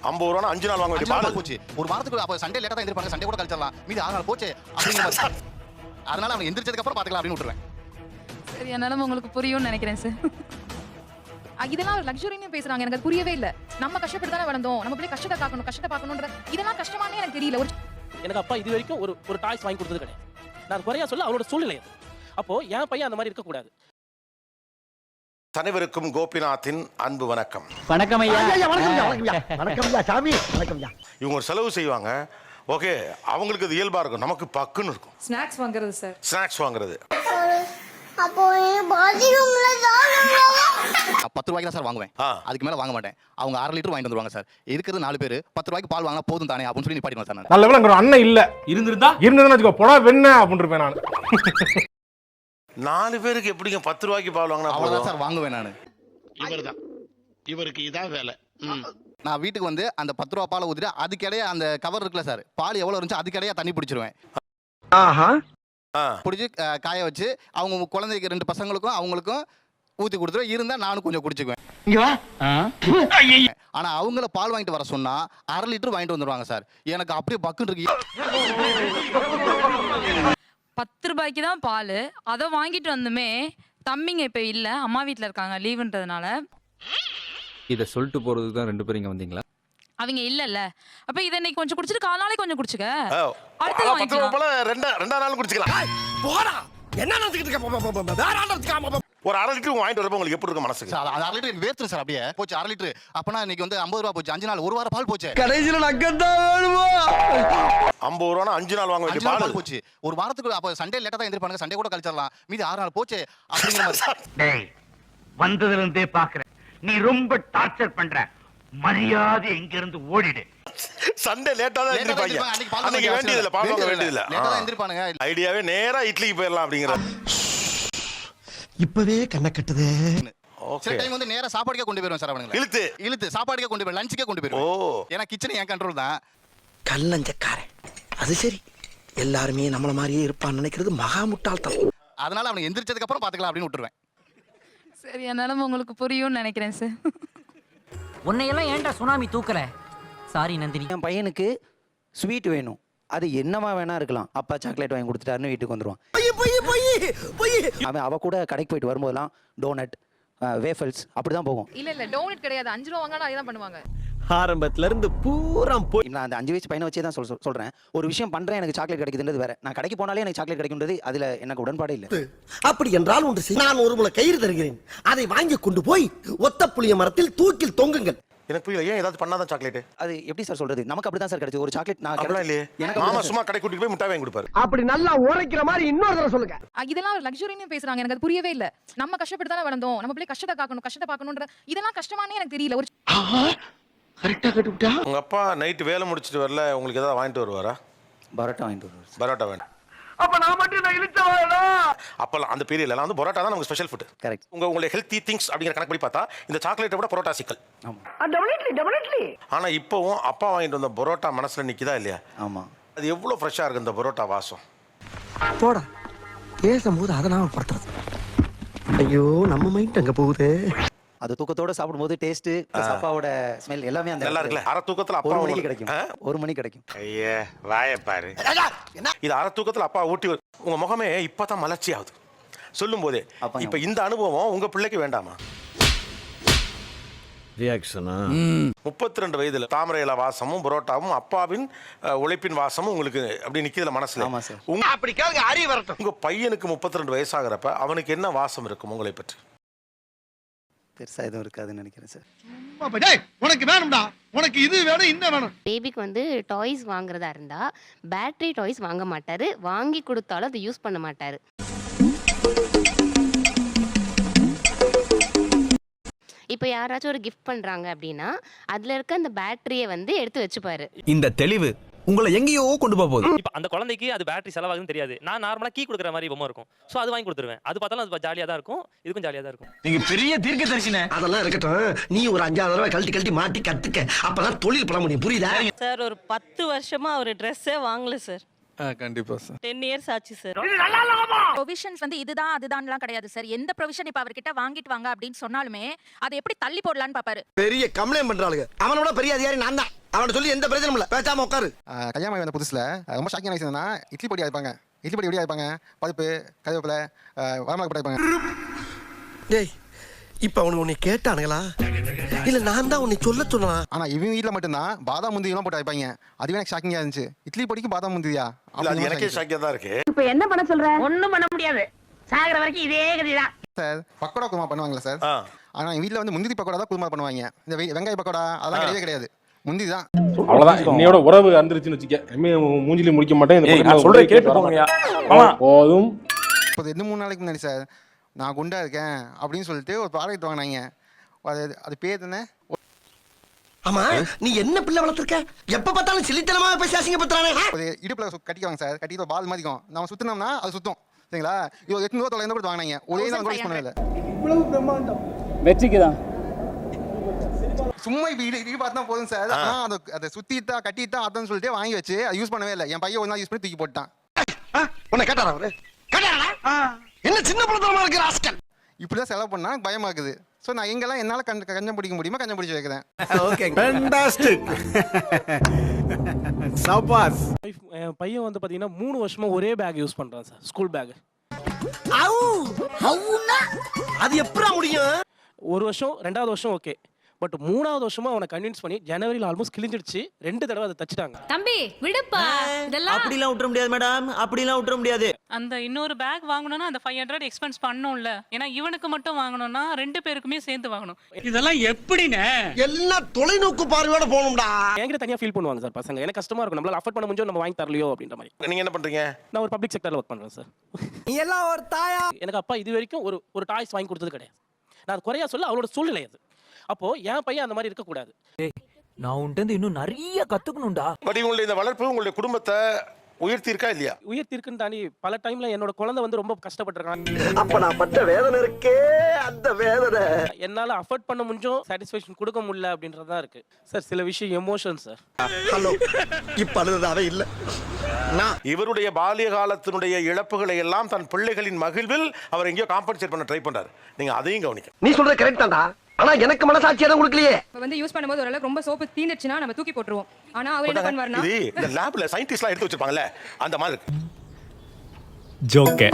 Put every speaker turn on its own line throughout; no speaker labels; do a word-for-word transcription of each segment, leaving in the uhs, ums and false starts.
ஐம்பது ரூபா அஞ்சு நாள் வாங்க வேண்டிய பால்
போச்சு. ஒரு வாரத்துக்கு அப்ப சண்டே லேட்டா தான் எந்திரிப்பாங்க, சண்டே கூட கழிச்சிடலாம், மீதி ஆறு நாள் போச்சு அப்படிங்கிற மாதிரி. அதனால அவங்க எந்திரிச்சதுக்கு அப்புறம் பாத்துக்கலாம் அப்படின்னு விட்டுருவேன்.
சரி, என்னால உங்களுக்கு புரியும்னு நினைக்கிறேன் சார். இதெல்லாம் லக்ஸுரின்னு பேசுறாங்க, எனக்கு அது புரியவே இல்ல. நம்ம கஷ்டப்பட்டு தானே வளர்ந்தோம், நம்ம பிள்ளை கஷ்டத்தை பார்க்கணும், கஷ்டத்தை பார்க்கணும்ன்ற இதெல்லாம் கஷ்டமானே எனக்கு தெரியல. ஒரு
எனக்கு அப்பா இது வரைக்கும் ஒரு ஒரு டாய்ஸ் வாங்கி கொடுத்தது கிடையாது. நான் குறையா சொல்ல அவரோட சூழ்நிலை அது. அப்போ என் பையன் அந்த மாதிரி இருக்கக்கூடாது.
அனைவருக்கும் கோபிநாத்தின் அன்பு வணக்கம்.
வணக்கம் ஐயா.
வணக்கம் ஐயா சாமி. வணக்கம் ஐயா.
இவங்க ஒரு செலவு செய்வாங்க, ஓகே, அவங்களுக்கு அது இயல்பா இருக்கும், நமக்கு பக்குன்னு இருக்கும்.
ஸ்நாக்ஸ் வாங்குறது சார்,
ஸ்நாக்ஸ் வாங்குறது.
அப்போ பாத்ரூம்ல
பத்து ரூபாய்க்கு தான் சார் வாங்குவேன், அதுக்கு மேல வாங்க மாட்டேன். அவங்க அரை லிட்டர் வாங்கிட்டு வந்துருவாங்க சார். இருக்கிறது நாலு பேர், பத்து ரூபாய்க்கு பால் வாங்கினா போதும் தானே அப்படின்னு சொல்லி நிப்பாட்டிடுவேன் சார்.
நல்ல வேளை ஒரு அண்ணன் இல்ல, இருந்திருந்தா இருந்ததுன்னு வச்சுக்கோ, போடா வெண்ண அப்படின்னு இருப்பேன் நான்.
நாலு பேருக்கு எப்படிங்க பத்து ரூபாய்க்கு பால் வாங்கினா
அவ்வளவுதான் சார் வாங்குவேன் நான்.
இவர்தான், இவருக்கு இதான் வேலை.
நான் வீட்டுக்கு வந்து அந்த பத்து ரூபா பாலை ஊத்திட்டு அதுக்கிடையே அந்த கவர் இருக்குல்ல சார், பால் எவ்வளவு இருந்துச்சு அதுக்கிடையே தண்ணி பிடிச்சிருவேன். பிடிச்சி காய வச்சு அவங்க குழந்தைக்கு ரெண்டு பசங்களுக்கும் அவங்களுக்கும் ஊத்தி கொடுத்துருவேன். இருந்தா நானும் கொஞ்சம் குடிச்சுக்குவேன். ஆனா அவங்கள பால் வாங்கிட்டு வர சொன்னா அரை லிட்டர் வாங்கிட்டு வந்துருவாங்க சார். எனக்கு அப்படியே பக்குன்னு இருக்கு.
பத்து ரூபாய்க்கு தான் பால், அதை வாங்கிட்டு வந்துமே தம்பிங்க இப்ப இல்ல, அம்மா வீட்டுல இருக்காங்க லீவுன்றதுனால.
இத சொல்லிட்டு போறதுக்கு தான் ரெண்டு பேரும் இங்க வந்தீங்களா?
அவங்க இல்லல்ல, அப்ப இதை இன்னைக்கு கொஞ்சம் குடிச்சிட்டு கால் நாளைக்கு கொஞ்சம் குடிச்சுக்க, அடுத்து
பத்து ரூபா
வாங்கிக்கலாம்.
போல ரெண்டா ரெண்டா நாள் குடிச்சுக்கலாம்.
போடா, என்ன நினைச்சிட்டு இருக்க? வேற ஆள் நினைச்சுக்காம
ஒரு அரை லிட்டர் வாங்கிட்டு வரப்ப உங்களுக்கு எப்படி இருக்கும் மனசுக்கு?
சார் அரை லிட்டர் வேர்த்து சார், அப்படியே போச்சு அரை லிட்டர். அப்பனா இன்னைக்கு வந்து ஐம்பது ரூபா போச்சு, அஞ்சு நாள் ஒரு வாரம் பால் போச்சு.
கடைசியில நக்கத்தான் வேணுமா?
ஐம்பது ரூபா அஞ்சு நாள் வாங்க வேண்டிய பால்
போச்சு. ஒரு வாரத்துக்கு அப்ப சண்டே லேட்டா தான் எந்திரிப்பாங்க, சண்டே கூட கழிச்சிடலாம், மீதி ஆறு நாள் போச்சு அப்படிங்கிற மாதிரி.
வந்ததுல இருந்தே பாக்குறேன், நீ ரொம்ப டார்ச்சர் பண்ற. மரியாதை எங்க இருந்து ஓடிடு.
சண்டே லேட்டா தான் எந்திரிப்பாங்க, அன்னைக்கு வேண்டியது இல்ல, பால் வாங்க வேண்டியது இல்ல,
லேட்டா தான் எந்திரிப்பானுங்க.
ஐடியாவே நேரா இட்லிக்கு போயிடலாம் அப்படிங்கிற.
இப்பவே கண்ண கட்டுதே.
சில டைம் வந்து நேரா சாப்பாடுக்கே கொண்டு போயிருவேன் சார். அவனுங்க இழுத்து இழுத்து சாப்பாடுக்கே கொண்டு போய் லஞ்சுக்கே கொண்டு போயிருவேன். ஓ, ஏன்னா கிச்சன் என் கண்ட்ரோல் தான்.
கல்லஞ்சக்காரன். அது சரி, எல்லாருமே நம்மள மாதிரியே இருப்பான்னு நினைக்கிறது மகா முட்டாள்தனம்.
அதனால அவனுக்கு எந்திரிச்சதுக்கு அப்புறம் பாத்துக்கலாம் அப்படின்னு விட்டுருவேன்.
சரி, என்னால உங்களுக்கு புரியும்னு நினைக்கிறேன் சார்.
உன்னையெல்லாம் ஏன்டா சுனாமி தூக்கல? சாரி நந்தினி.
என் பையனுக்கு ஸ்வீட் வேணும், அது என்னமா வேணா இருக்கலாம். அப்பா சாக்லேட் வாங்கி கொடுத்துட்டாருன்னு வீட்டுக்கு வந்துருவான். அவன் அவ கூட கடைக்கு போயிட்டு வரும்போதெல்லாம் டோனட், வேஃபல்ஸ் அப்படிதான் போகும்.
இல்ல இல்ல, டோனட் கிடையாது, அஞ்சு ரூபா வாங்கினா அதே தான் பண்ணுவாங்க.
ஆரம்பத்துல இருந்து பூரா போய் நான் அந்த அஞ்சு வயசு பையனை வச்சே தான் சொல் சொல்றேன். ஒரு விஷயம் பண்றேன், எனக்கு சாக்லேட் கிடைக்குதுன்றது வேற. நான் கடைக்கு போனாலே எனக்கு சாக்லேட் கிடைக்கும்ன்றது அதுல எனக்கு உடன்பாடு இல்லை.
அப்படி என்றால் ஒன்று, நான் ஒரு முளை கயிறு தருகிறேன், அதை வாங்கி கொண்டு போய் ஒத்த புளிய மரத்தில் தூக்கில் தொங்குங்கள்.
எனக்கு புரியல, ஏன் ஏதாவது பண்ணாதான் சாக்லேட்?
அது எப்படி சார் சொல்றது? நமக்கு அப்படிதான் சார் கிடைச்சது ஒரு சாக்லேட். நான்
அப்படிலாம் இல்லையே,
எனக்கு
மாமா சும்மா கடை கூட்டிட்டு போய் முட்டாய் வாங்கி கொடுப்பாரு.
அப்படி நல்லா உரைக்கிற மாதிரி இன்னொரு தடவை சொல்லுங்க.
இதெல்லாம் லக்ஸுரின்னு பேசுறாங்க, எனக்கு அது புரியவே இல்ல. நம்ம கஷ்டப்பட்டு தானே வளர்ந்தோம், நம்ம பிள்ளை கஷ்டத்தை பார்க்கணும், கஷ்டத்தை பார்க்கணும்ன்ற இதெல்லாம் கஷ்டமானே எனக்கு தெரியல. ஒரு
கரெக்டா கட்டுட்டா.
உங்க அப்பா நைட் வேலை முடிச்சிட்டு வரல, உங்களுக்கு ஏதாவது வாங்கிட்டு வருவாரா?
பரோட்டா வாங்கிட்டு வருவார்.
பரோட்டா வேண்டாம்.
அப்ப நான் மட்டும் நான் இழுச்சவாடா.
அப்பலாம் அந்த பீரியட்ல எல்லாம் வந்து பரோட்டா தான் நமக்கு ஸ்பெஷல் ஃபுட்.
கரெக்ட்.
உங்க உங்களுடைய ஹெல்த்தி திங்ஸ் அப்படிங்கிற கணக்கு படி பார்த்தா இந்த சாக்லேட்டை விட பரோட்டா சிக்கல்.
ஆமா.
Definitely definitely.
ஆனா இப்போவும் அப்பா வாங்கிட்டு வந்த பரோட்டா மனசுல நிக்குதா இல்லையா?
ஆமா.
அது எவ்வளவு ஃப்ரெஷ்ஷா இருக்கு இந்த பரோட்டா வாசம்.
போடா, பேசும்போது அதை நாம படுத்துறது. ஐயோ, நம்ம மைண்ட் அங்க போகுது.
அது தூக்கத்தோட சாப்பிடும்போது டேஸ்ட், அப்பாவோட ஸ்மெல் எல்லாமே அந்த
நல்லா இருக்குல்ல. அரை தூக்கத்துல அப்பா
ஒரு மணிக்கு கிடைக்கும். ஒரு மணி கிடைக்கும்.
ஐயே வாயை பாரு. இது அரை தூக்கத்துல அப்பா ஊட்டி உங்க முகமே இப்பதான் மலர்ச்சி ஆகுது சொல்லும் போதே. இப்ப இந்த அனுபவம் உங்க பிள்ளைக்கு வேண்டாமா?
ரியாக்ஷனா?
முப்பத்தி ரெண்டு வயதுல தாமரை இலை வாசமும் பரோட்டாவும் அப்பாவின் உழைப்பின் வாசமும் உங்களுக்கு அப்படி நிக்குதுல மனசுல.
அப்படி கேளுங்க, அறிவு வரட்டும்.
உங்க பையனுக்கு முப்பத்தி ரெண்டு வயசாகிறப்ப அவனுக்கு என்ன வாசம் இருக்கும் உங்களை பற்றி?
பெருசா எதுவும் இருக்காதுன்னு நினைக்கிறேன் சார்.
உனக்கு வேணும்டா, உனக்கு இது வேணும் இந்த வேணும்.
பேபிக்கு வந்து டாய்ஸ் வாங்குறதா இருந்தா பேட்டரி டாய்ஸ் வாங்க மாட்டாரு, வாங்கி கொடுத்தாலும் அதை யூஸ் பண்ண மாட்டாரு. இப்போ யாராச்சும் ஒரு கிஃப்ட் பண்றாங்க அப்படின்னா அதுல இருக்க அந்த பேட்டரியை வந்து எடுத்து வச்சுப்பாரு.
இந்த தெளிவு உங்களை எங்கேயோ கொண்டு போக போகுது.
இப்போ அந்த குழந்தைக்கு அது பேட்டரி செலவாகுதுன்னு தெரியாது. நான் நார்மலா கீ கொடுக்குற மாதிரி பொம்மை இருக்கும், ஸோ அது வாங்கி கொடுத்துருவேன். அது பார்த்தாலும் அது ஜாலியாக தான் இருக்கும், இதுக்கும் ஜாலியாக தான் இருக்கும்.
நீங்க பெரிய தீர்க்க தரிசன.
அதெல்லாம் இருக்கட்டும், நீ ஒரு அஞ்சாவது தடவை கழட்டி கழட்டி மாட்டி கத்துக்க, அப்பதான் தொழில் பண்ண முடியும். புரியுதா
சார்? ஒரு பத்து வருஷமா அவர் ட்ரெஸ்ஸே வாங்கல சார்.
கண்டிப்பா சார்.
டென் இயர்ஸ் ஆச்சு சார்.
ப்ரொவிஷன்ஸ் வந்து இதுதான் அதுதான்லாம் கிடையாது சார். எந்த ப்ரொவிஷன் இப்ப அவர்கிட்ட வாங்கிட்டு வாங்க அப்படின்னு சொன்னாலுமே அதை எப்படி தள்ளி போடலான்னு பாப்பாரு.
பெரிய கம்ப்ளைண்ட் பண்றாளுங்க. அவனோட பெரிய அதிகாரி நான் தான். அவனை சொல்லி எந்த பிரச்சனையும் இல்ல, பேசாம உட்காரு.
கல்யாணம் வந்த புதுசில் ரொம்ப ஷாக்கிங் ஆயிடுச்சுன்னா இட்லி பொடி ஆயிப்பாங்க. இட்லி பொடி எப்படி ஆயிப்பாங்க? பருப்பு, கருவேப்பிலை, வரமிளகா போட்டு ஆயிப்பாங்க.
டேய், இப்ப அவனுக்கு உன்னை கேட்டானுங்களா இல்ல நான் தான் உன்னை சொல்ல சொன்னா?
ஆனா இவங்க வீட்டில் மட்டும்தான் பாதாம் முந்திரி எல்லாம் போட்டு ஆயிப்பாங்க. அதுவே எனக்கு ஷாக்கிங்கா இருந்துச்சு. இட்லி பொடிக்கு பாதாம் முந்திரியா?
இல்ல, அது எனக்கே ஷாக்கியா தான் இருக்கு.
இப்போ என்ன பண்ண சொல்ற? ஒண்ணும் பண்ண முடியாது. சாகர வரைக்கும் இதே கதிதான்.
சார் பக்கோடா குருமா பண்ணுவாங்களா சார்?
ஆ.
ஆனா எங்க வீட்டில் வந்து முந்திரி பக்கோடா தான் குருமா பண்ணுவாங்க. இந்த வெ- வெங்காய பக்கோடா அதெல்லாம் கிடையவே கிடையாது. முந்திரி தான்.
அவ்வளவுதான். இன்னையோட உறவு அந்திருச்சுன்னு வச்சுக்க. இனிமே மூஞ்சிலி முடிக்க மாட்டேன். இந்த பக்கம்
சொல்றேன்
ஒரு
கேட்டு போங்கயா. மாமா
போதும்.
இப்போ ரெண்டு மூணு நாளைக்கு முன்னாடி சார் நான் குண்டா இருக்கேன் அப்படின்னு சொல்லிட்டு ஒரு ப்ராடக்ட் வாங்கினாங்க. அது அது பேர் என்ன?
ஆமா, நீ என்ன பிள்ளை வளர்த்துருக்க? எப்ப பார்த்தாலும் சிலித்தனமா பேசி அசிங்கப்படுத்துறானே.
ஒரு இடுப்புல சு- கட்டிக்குவாங்க சார். கட்டிட்டு ஒரு பால் மாதிரிக்கும் நம்ம சுத்தினோம்னா அது சுத்தும். சரிங்களா? இது ஒரு எட்நூறு தொள்ளாயிரம் கொடுத்து வாங்கினாங்க. ஒரே நாள் கூட யூஸ் பண்ணவே இல்லை.
வெற்றிக்குதான்.
சும்மா இப்போ இடி இடி பார்த்தா போதும் சார். ஆனால் அதை அதை சுத்திட்டா கட்டிட்டா அதான் சொல்லிட்டு வாங்கி வச்சு அதை யூஸ் பண்ணவே இல்லை. என் பையன் ஒரு நாள் யூஸ் பண்ணி தூக்கி போட்டான்.
உன்னை கேட்டாரா அவரு? கேட்டாரா? என்ன சின்ன பிள்ளைத்தனமா இருக்கிற ஆஸ்கல்.
இப்படிதான் செலவு பண்ணா எனக்கு பயமா இருக்குது. ஸோ நான் எங்கெல்லாம் என்னால் கண் கஞ்சம் பிடிக்க முடியுமோ கஞ்சம் பிடிச்சி வைக்கிறேன்.
Okay, fantastic. சபாஸ்.
என் பையன் வந்து பாத்தீங்கன்னா மூணு வருஷமா ஒரே பேக் யூஸ் பண்றான் சார். School bag.
அவு அவுனா அது எப்பறா முடியும்?
ஒரு வருஷம் ரெண்டாவது வருஷம் ஓகே. பட் மூணாவது வருஷமா அவனை கன்வின்ஸ் பண்ணி ஜனவரியில் ஆல்மோஸ்ட் கிழிஞ்சிடுச்சு. ரெண்டு தடவை அதை தச்சுட்டாங்க.
தம்பி விடுப்பா, இதெல்லாம்
அப்படிலாம் விட்டுற முடியாது மேடம். அப்படிலாம் விட்டுற முடியாது.
அந்த இன்னொரு பேக் வாங்கணும்னா அந்த ஃபைவ் ஹண்ட்ரட் எக்ஸ்பென்ஸ் பண்ணணும்ல. ஏன்னா இவனுக்கு மட்டும் வாங்கணும்னா ரெண்டு பேருக்குமே சேர்ந்து வாங்கணும்.
இதெல்லாம் எப்படின்னு
எல்லாம் தொலைநோக்கு பார்வையோட போகணும்டா.
என்கிட்ட தனியா ஃபீல் பண்ணுவாங்க சார் பசங்க. எனக்கு கஷ்டமா இருக்கும். நம்மளால அஃபோர்ட் பண்ண முடிஞ்சோ நம்ம வாங்கி தரலையோ அப்படின்ற மாதிரி.
நீங்க என்ன பண்றீங்க?
நான் ஒரு பப்ளிக் செக்டர்ல ஒர்க் பண்றேன் சார்.
நீ எல்லாம் ஒரு தாயா?
எனக்கு அப்பா இது வரைக்கும் ஒரு ஒரு டாய்ஸ் வாங்கி கொடுத்தது கிடையாது. நான் அது குறையா சொல்ல அவளோட சூழ்நிலை அது. அப்போ என் பையன் அந்த மாதிரி இருக்கக்கூடாது.
நான் உன்கிட்ட இன்னும் நிறைய கத்துக்கணும்டா.
பட் உங்களுடைய இந்த வளர்ப்பு உங்களுடைய குடும்பத்தை உயர்த்தி இருக்கா இல்லையா?
உயர்த்திருக்குன்னு தாண்டி பல டைம்ல என்னோட குழந்தை வந்து ரொம்ப கஷ்டப்பட்டிருக்கான்.
அப்ப நான் பட்ட வேதனை இருக்கே, அந்த வேதனை
என்னால அஃபோர்ட் பண்ண முடிஞ்சும் சாட்டிஸ்ஃபேக்ஷன் கொடுக்க முடியல அப்படின்றதா இருக்கு சார். சில விஷயம் எமோஷன் சார்.
ஹலோ, இப்ப அழுதாவே இல்ல. நான்
இவருடைய பால்ய காலத்தினுடைய இழப்புகளை எல்லாம் தன் பிள்ளைகளின் மகிழ்வில் அவர் எங்கேயோ காம்பன்சேட் பண்ண ட்ரை பண்றாரு. நீங்க அதையும் கவனிக்க.
நீ சொல்றது கரெக்ட் தான்டா. ஆனா எனக்கு மனசாட்சி எதுவும் கொடுக்கலையே.
இப்ப வந்து யூஸ் பண்ணும்போது ஓரளவுக்கு ரொம்ப சோப்பு தீந்துச்சுன்னா நம்ம தூக்கி போட்டுருவோம். ஆனா அவர் என்ன பண்ணுவாருன்னா
இது இந்த லேப்ல சயின்டிஸ்ட்லாம் எடுத்து வச்சிருப்பாங்கல்ல அந்த மாதிரி இருக்கு.
ஜோக்கே.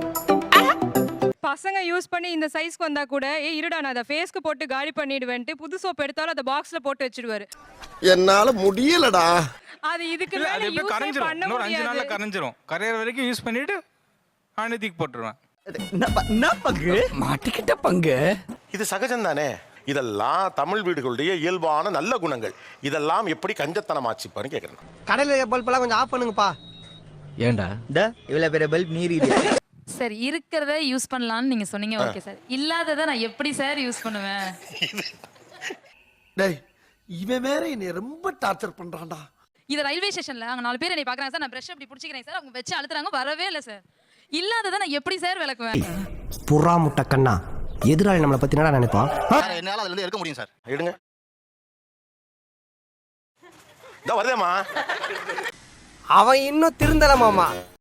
பசங்க யூஸ் பண்ணி இந்த சைஸ்க்கு வந்தா கூட ஏ இருடா நான் அதை ஃபேஸ்க்கு போட்டு காலி பண்ணிடுவேன்ட்டு புது சோப் எடுத்தாலும் அதை பாக்ஸ்ல போட்டு வச்சிடுவாரு.
என்னால முடியலடா.
அது இதுக்கு மேல யூஸ் பண்ண முடியாது.
கரைஞ்சிரும். கரையிற வரைக்கும் யூஸ் பண்ணிட்டு ஆனதிக்கு போட்டுருவேன்.
என்ன பங்கு? மாட்டிக்கிட்ட பங்கு.
இது சகஜம் தானே. இதெல்லாம் தமிழ் வீடுகளுடைய இயல்பான நல்ல குணங்கள். இதெல்லாம் எப்படி கஞ்சத்தனமாச்சுப்பான்னு கேட்குறேன்.
கடையில பல்பெல்லாம் கொஞ்சம் ஆஃப் பண்ணுங்கப்பா.
ஏண்டா இந்த இவ்வளவு பெரிய பல்ப் நீரி.
சார் இருக்கிறத யூஸ் பண்ணலாம்னு நீங்க சொன்னீங்க. Okay sir. இல்லாததை நான் எப்படி சார் யூஸ் பண்ணுவேன்?
டேய், இவன் வேற என்னை ரொம்ப டார்ச்சர் பண்றான்டா.
இது ரயில்வே ஸ்டேஷன்ல அங்க நாலு பேர் என்னை பாக்குறாங்க சார். நான் பிரஷ் அப்படி பிடிச்சிக்கிறேன் சார். அவங்க வச்சு அழுத்துறாங்க, வரவே இல்லை சார். இல்லாததை நான் எப்படி சார் விளக்குவேன்?
புறா முட்டை கண்ணா, எதிராளி நம்மளை பத்தி என்னடா நினைப்பான்?
என்னால் அதுல இருந்து எடுக்க முடியும் சார்.
எடுங்க. இதோ வருதேம்மா.
அவன் இன்னும் திருந்தல மாமா.